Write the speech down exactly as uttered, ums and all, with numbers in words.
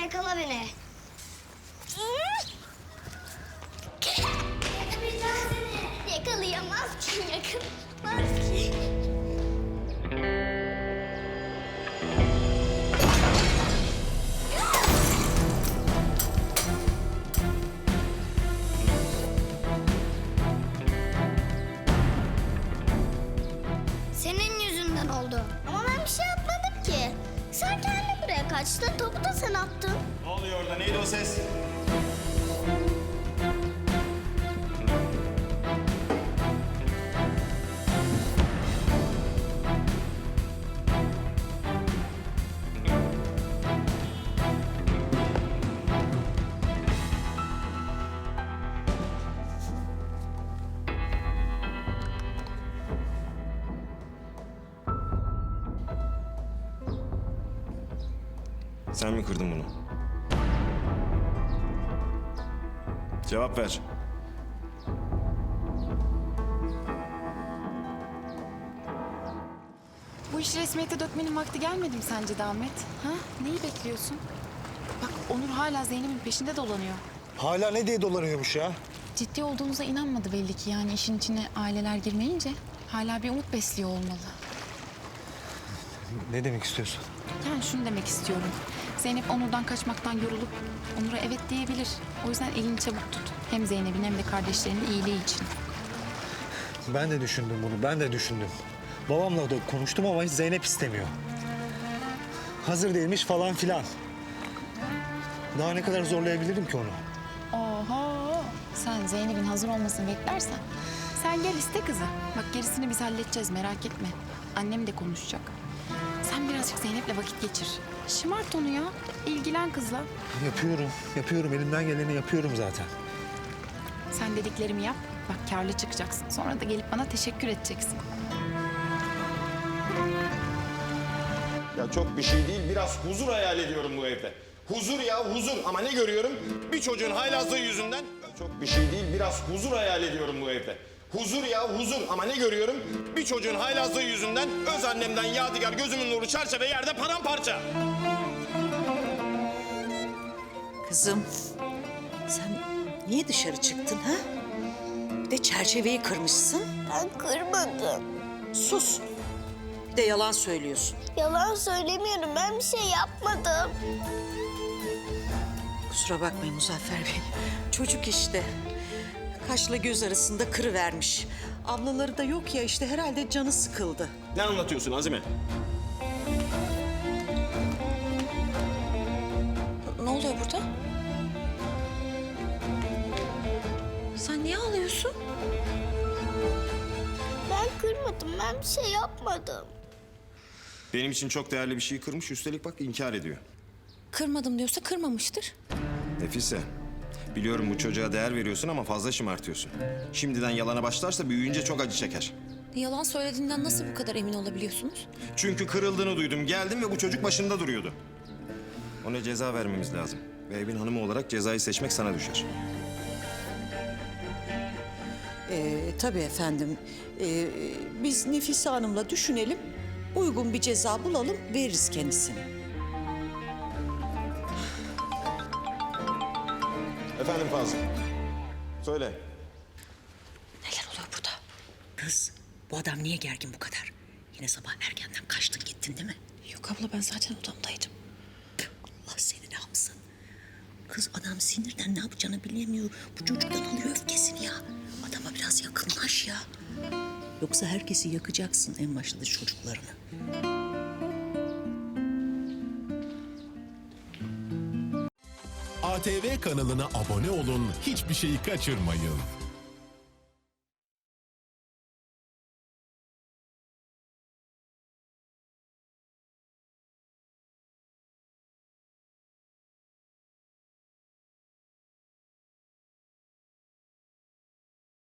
yakala beni. Yakalayacağım seni. Yakalayamaz ki, yakalayamaz ki. Senin yüzünden oldu. Ama ben bir şey yapmadım ki. Sen kendin buraya kaçtın, topu da sen attın. Ne oluyor orada? Neydi o ses? Sen mi kırdın bunu? Cevap ver. Bu işi resmiyete dökmenin vakti gelmedi mi sence de Ahmet? Ha? Neyi bekliyorsun? Bak Onur hala Zeynep'in peşinde dolanıyor. Hala ne diye dolanıyormuş ya? Ciddi olduğunuza inanmadı belli ki. Yani işin içine aileler girmeyince hala bir umut besliyor olmalı. Ne demek istiyorsun? Yani şunu demek istiyorum. Zeynep Onur'dan kaçmaktan yorulup Onur'a evet diyebilir. O yüzden elini çabuk tut. Hem Zeynep'in hem de kardeşlerinin iyiliği için. Ben de düşündüm bunu, ben de düşündüm. Babamla da konuştum ama hiç Zeynep istemiyor. Hazır değilmiş falan filan. Daha ne kadar zorlayabilirim ki onu? Oho! Sen Zeynep'in hazır olmasını beklersen sen gel iste kızı. Bak gerisini biz halledeceğiz, merak etme. Annem de konuşacak. Sen birazcık Zeynep'le vakit geçir. Şımart onu ya. İlgilen kızla. Yapıyorum, yapıyorum. Elimden geleni yapıyorum zaten. Sen dediklerimi yap. Bak kârlı çıkacaksın. Sonra da gelip bana teşekkür edeceksin. Ya çok bir şey değil. Biraz huzur hayal ediyorum bu evde. Huzur ya huzur. Ama ne görüyorum? Bir çocuğun haylazlığı yüzünden... Ya çok bir şey değil. Biraz huzur hayal ediyorum bu evde. Huzur ya huzur. Ama ne görüyorum? Bir çocuğun haylazlığı yüzünden öz annemden yadigar gözümün nuru çerçeve yerde paramparça. Kızım, sen niye dışarı çıktın ha? Bir de çerçeveyi kırmışsın. Ben kırmadım. Sus. Bir de yalan söylüyorsun. Yalan söylemiyorum, ben bir şey yapmadım. Kusura bakmayın Muzaffer Bey. Çocuk işte. Kaşla göz arasında kırıvermiş. Ablaları da yok ya işte herhalde canı sıkıldı. Ne anlatıyorsun Azime? Ne oluyor burada? Sen niye ağlıyorsun? Ben kırmadım, ben bir şey yapmadım. Benim için çok değerli bir şeyi kırmış. Üstelik bak inkar ediyor. Kırmadım diyorsa kırmamıştır. Nefise, biliyorum bu çocuğa değer veriyorsun ama fazla şımartıyorsun. Şimdiden yalana başlarsa büyüyünce çok acı çeker. Yalan söylediğinden nasıl bu kadar emin olabiliyorsunuz? Çünkü kırıldığını duydum, geldim ve bu çocuk başında duruyordu. Ona ceza vermemiz lazım. Ve evin hanımı olarak cezayı seçmek sana düşer. Ee, tabii efendim. Ee, biz Nefise Hanım'la düşünelim. Uygun bir ceza bulalım, veririz kendisine. Efendim Fazıl. Söyle. Neler oluyor burada? Kız, bu adam niye gergin bu kadar? Yine sabah erkenden kaçtın gittin değil mi? Yok abla ben zaten odamdaydım. Allah seni ne yapsın? Kız adam sinirden ne yapacağını bilemiyor. Bu çocuktan alıyor öfkesini ya. Adama biraz yakınlaş ya. Yoksa herkesi yakacaksın en başta da çocuklarını. A T V kanalına abone olun, hiçbir şeyi kaçırmayın.